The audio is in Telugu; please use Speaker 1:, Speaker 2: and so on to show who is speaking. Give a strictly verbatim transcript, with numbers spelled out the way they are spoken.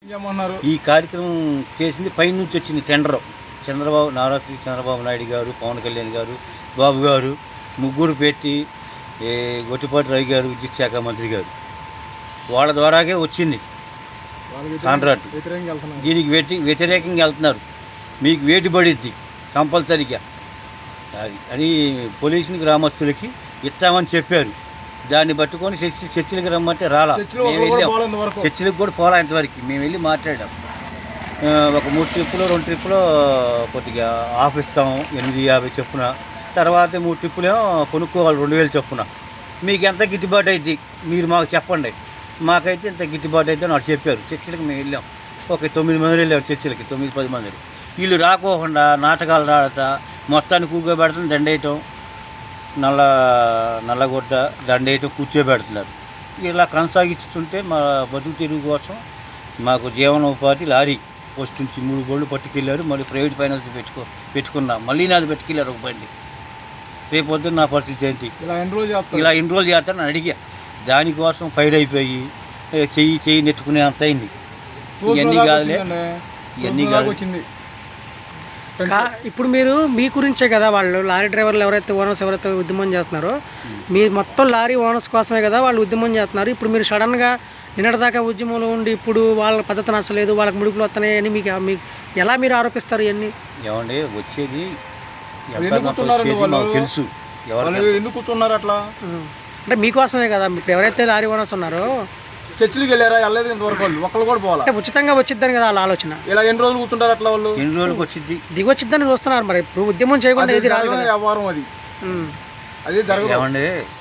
Speaker 1: ఈ కార్యక్రమం చేసింది పైనుంచి వచ్చింది టెండర్. చంద్రబాబు నారా చంద్రబాబు నాయుడు గారు, పవన్ కళ్యాణ్ గారు, బాబు గారు ముగ్గురు పెట్టి, గొట్టిపాటి రవి గారు విద్యుత్ శాఖ మంత్రి గారు, వాళ్ళ ద్వారాగే వచ్చింది కాంట్రాక్ట్. దీనికి వెటి వ్యతిరేకంగా వెళ్తున్నారు. మీకు వేటు పడిద్ది కంపల్సరీగా అది అని పోలీసుని గ్రామస్తులకి ఇస్తామని చెప్పారు. దాన్ని పట్టుకొని చర్చి చర్చిలకు రమ్మంటే రాలా. మేము వెళ్ళాం, చర్చిలకు కూడా పోలా ఇంతవరకు. మేము వెళ్ళి మాట్లాడాం. ఒక మూడు ట్రిప్పులు రెండు ట్రిప్పులు కొద్దిగా ఆఫ్ ఇస్తాము ఎనిమిది యాభై చొప్పున, తర్వాత మూడు ట్రిప్పులేమో కొనుక్కోవాలి రెండు వేలు చొప్పున. మీకు ఎంత గిట్టుబాటు అవుతుంది మీరు మాకు చెప్పండి, మాకైతే ఇంత గిట్టుబాటు అయితే నాకు చెప్పారు. చర్చిలకు మేము వెళ్ళాం, ఒక తొమ్మిది మంది వెళ్ళాం చర్చిలకి, తొమ్మిది పది మంది. వీళ్ళు రాకోకుండా నాటకాలు ఆడతా మొత్తాన్ని కూర్చోబెడతాం, దండేయటం, నల్ల నల్లగొడ్డ దండేయటం, కూర్చోబెడుతున్నారు. ఇలా కొనసాగిస్తుంటే మా బతుకు తెరుగు కోసం మాకు జీవనోపాధి లారీ పోస్ట్ నుంచి మూడు బళ్ళు పట్టుకెళ్ళారు. మళ్ళీ ప్రైవేట్ ఫైనాన్స్ పెట్టుకో పెట్టుకున్నా మళ్ళీ నాది పెట్టుకెళ్ళారు ఒక బండి. రేపు పొద్దున్న నా పరిస్థితి ఏంటి? ఇలా ఎన్రోల్ చేస్తాను ఇలా ఎన్రోల్ చేస్తానని అడిగా. దానికోసం ఫైర్ అయిపోయి చెయ్యి చెయ్యి నెట్టుకునే అంత అయింది. ఇవన్నీ కాదులే, ఇవన్నీ కాదు. వచ్చింది
Speaker 2: ఇప్పుడు మీరు మీ గురించే కదా, వాళ్ళు లారీ డ్రైవర్లు ఎవరైతే ఓనర్స్ ఎవరైతే ఉద్యమం చేస్తున్నారో మీరు మొత్తం లారీ ఓనర్స్ కోసమే కదా వాళ్ళు ఉద్యమం చేస్తున్నారు. ఇప్పుడు మీరు సడన్గా నిన్నటిదాకా ఉద్యమంలో ఉండి ఇప్పుడు వాళ్ళ పద్ధతి నచ్చలేదు, వాళ్ళకి ముడుపులు వస్తున్నాయని మీకు మీకు ఎలా మీరు ఆరోపిస్తారు? ఇవన్నీ
Speaker 1: ఏమండి వచ్చేది
Speaker 3: తెలుసు. ఎందుకు కూర్చున్నారు అట్లా
Speaker 2: అంటే మీకోసమే కదా. ఇప్పుడు ఎవరైతే లారీ ఓనర్స్ ఉన్నారో
Speaker 3: చర్చిలకు వెళ్ళారా? వెళ్ళలేదు ఇంతవరకు. వాళ్ళు ఒక్కళ్ళు కూడా పోవాలి.
Speaker 2: అంటే ఉచితంగా వచ్చిద్దని కదా వాళ్ళ ఆలోచన.
Speaker 3: ఇలా ఎన్ని రోజులు కూర్చుంటారు అట్లా? వాళ్ళు
Speaker 1: ఎన్ని రోజులకు వచ్చింది
Speaker 2: దిగొచ్చిద్దని చూస్తున్నారు. మరి ఇప్పుడు ఉద్యమం చేయకుండా ఏది రాదు.
Speaker 3: వ్యవహారం అది అది జరగదు.
Speaker 1: ఏమండి